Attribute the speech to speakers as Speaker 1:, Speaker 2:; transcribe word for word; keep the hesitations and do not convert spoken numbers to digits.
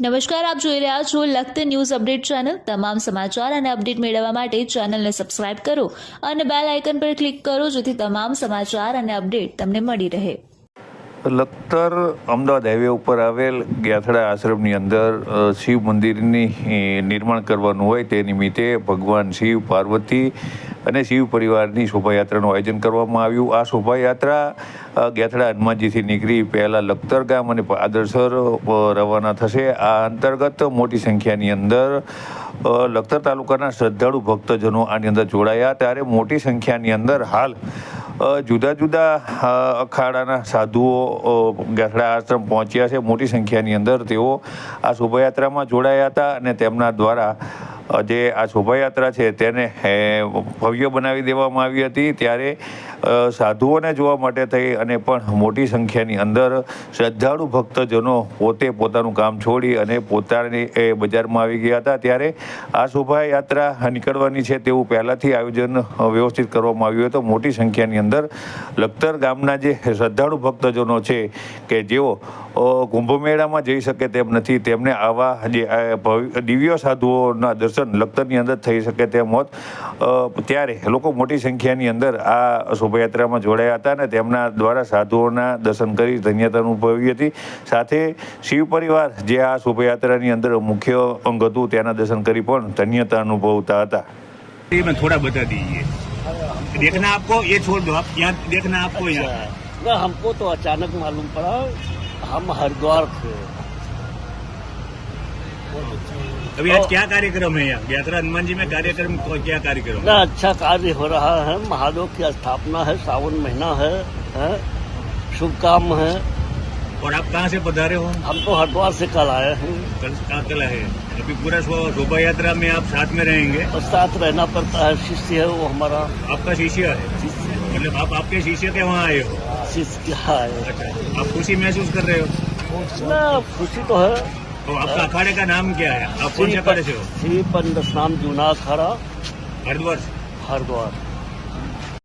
Speaker 1: નમસ્કાર, આપ જોઈ રહ્યા છો લખત ન્યૂઝ અપડેટ ચેનલ। તમામ સમાચાર અને અપડેટ મેળવવા માટે ચેનલને સબસ્ક્રાઇબ કરો અને બેલ આઇકન પર ક્લિક કરો જેથી તમામ સમાચાર અને અપડેટ તમને મળી રહે।
Speaker 2: લખતર અમદાવાદ હાઈવે ઉપર આવેલ ગ્યાથડા આશ્રમની અંદર શિવ મંદિરની નિર્માણ કરવાનું હોય તે નિમિત્તે ભગવાન શિવ, પાર્વતી અને શિવ પરિવારની શોભાયાત્રાનું આયોજન કરવામાં આવ્યું। આ શોભાયાત્રા ગ્યાથડા હનુમાનજીથી નીકળી પહેલાં લખતર ગામ અને આદરસર રવાના થશે। આ અંતર્ગત મોટી સંખ્યાની અંદર લખતર તાલુકાના શ્રદ્ધાળુ ભક્તજનો આની અંદર જોડાયા। ત્યારે મોટી સંખ્યાની અંદર હાલ જુદા જુદા અખાડાના સાધુઓ ગ્યાથડા આશ્રમ પહોંચ્યા છે। મોટી સંખ્યાની અંદર તેઓ આ શોભાયાત્રામાં જોડાયા હતા અને તેમના દ્વારા જે આ શોભાયાત્રા છે તેને ભવ્ય બનાવી દેવામાં આવી હતી। ત્યારે સાધુઓને જોવા માટે થઈ અને પણ મોટી સંખ્યાની અંદર શ્રદ્ધાળુ ભક્તજનો પોતે પોતાનું કામ છોડી અને પોતાની એ બજારમાં આવી ગયા હતા। ત્યારે આ શોભાયાત્રા નીકળવાની છે તેવું પહેલાંથી આયોજન વ્યવસ્થિત કરવામાં આવ્યું હતું। મોટી સંખ્યાની અંદર લખતર ગામના જે શ્રદ્ધાળુ ભક્તજનો છે કે જેઓ કુંભ મેળામાં જઈ શકે તેમ નથી, તેમને આવા જે દિવ્ય સાધુઓના દર્શન લખતરની અંદર થઈ શકે તેમ હોત, ત્યારે લોકો મોટી સંખ્યાની અંદર આ શોભાયાત્રામાં જોડાયા હતા અને તેમના દ્વારા સાધુઓના દર્શન કરી ધન્યતા અનુભવી હતી। સાથે શિવ પરિવાર જે આ શોભાયાત્રાની અંદર મુખ્ય અંગ હતું તેના દર્શન કરી પણ ધન્યતા અનુભવતા હતા।
Speaker 3: मैं थोड़ा बता दीजिए, देखना आपको ये छोड़ दो, आप यहाँ देखना आपको यहाँ
Speaker 4: ना हमको तो अचानक मालूम पड़ा, हम हरिद्वार थे।
Speaker 3: अभी आज क्या कार्यक्रम है यहाँ ग्याथड़ा हनुमान जी में? कार्यक्रम क्या कार्यक्रम
Speaker 4: ना अच्छा कार्य हो रहा है, महादेव की स्थापना है, सावन महीना है, है शुभ काम है।
Speaker 3: और आप कहाँ से पधारे हो?
Speaker 4: हम तो हरिद्वार से कल आए हैं।
Speaker 3: कल कहाँ कल है? अभी पूरा शोभा यात्रा में आप साथ में रहेंगे?
Speaker 4: और साथ रहना पड़ता है, शिष्य है वो हमारा।
Speaker 3: आपका शिष्य है? मतलब आप आपके शिष्य के वहाँ आए हो?
Speaker 4: शिष्य है।
Speaker 3: अच्छा, आप खुशी महसूस कर रहे हो?
Speaker 4: ना खुशी तो है।
Speaker 3: तो आपका अखाड़े का नाम क्या है? आप कौन से अखाड़े से हो?
Speaker 4: श्री पंडस नाम जूना अखाड़ा
Speaker 3: हरिद्वार।
Speaker 4: हरिद्वार।